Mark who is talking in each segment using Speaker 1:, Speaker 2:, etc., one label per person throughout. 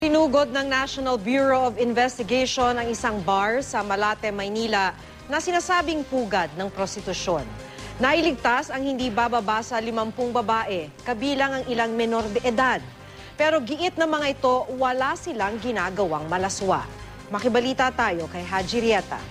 Speaker 1: Tinugod ng National Bureau of Investigation ang isang bar sa Malate, Maynila na sinasabing pugad ng prostitusyon. Nailigtas ang hindi bababa sa 50 babae, kabilang ang ilang menor de edad. Pero giit ng mga ito, wala silang ginagawang malaswa. Makibalita tayo kay Haji Rieta.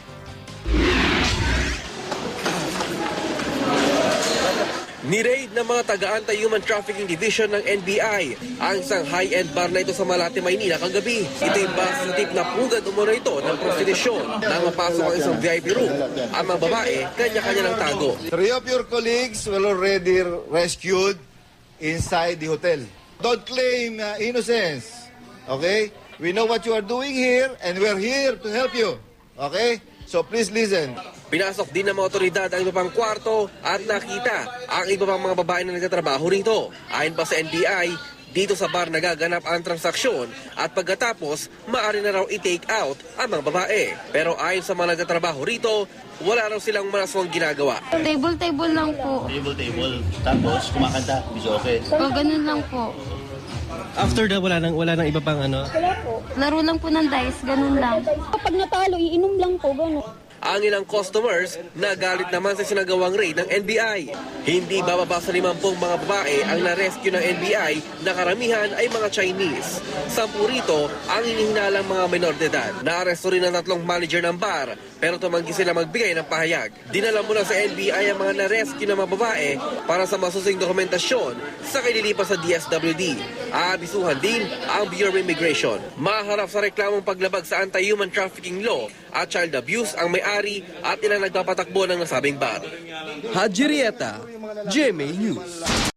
Speaker 2: Ni-raid ng mga taga-anti-human trafficking division ng NBI ang isang high-end bar na ito sa Malate, Maynila kagabi. Ito yung base sa tip na pugad umano ito ng prostitusyon. Nang mapasok ang isang VIP room, ang mga babae, kanya-kanya ng tago.
Speaker 3: 3 of your colleagues were already rescued inside the hotel. Don't claim innocence, okay? We know what you are doing here and we're here to help you, okay? So please listen.
Speaker 2: Pinasok din ng mga otoridad ang iba pang kwarto at nakita ang iba pang mga babae na nagtatrabaho rito. Ayon pa sa NBI, dito sa bar nagaganap ang transaksyon at pagkatapos, maaari na raw i-take out ang mga babae. Pero ayon sa mga nagtatrabaho rito, wala raw silang malaswang ginagawa.
Speaker 4: Table lang po.
Speaker 5: Table. Tapos kumakanta, bisoke.
Speaker 4: O, ganun lang po.
Speaker 6: After that, wala nang iba pang ano?
Speaker 4: Laro lang po ng dice, ganun lang.
Speaker 7: Kapag natalo, iinom lang po, gano'n.
Speaker 2: Ang ilang customers nagalit naman sa sinagawang raid ng NBI. Hindi bababa sa 50 mga babae ang na-rescue ng NBI na karamihan ay mga Chinese. 10 rito ang hinihinalang mga menor de edad. Naaresto rin ang 3 manager ng bar pero tumanggi sila magbigay ng pahayag. Dinala muna sa NBI ang mga na-rescue na mga babae para sa masusing dokumentasyon sa kinilipas sa DSWD. Aabisuhan din ang Bureau of Immigration. Maharap sa reklamong paglabag sa anti-human trafficking law at child abuse ang may-ari at ilang nagpapatakbo ng nasabing bar. Haji Rieta, GMA News.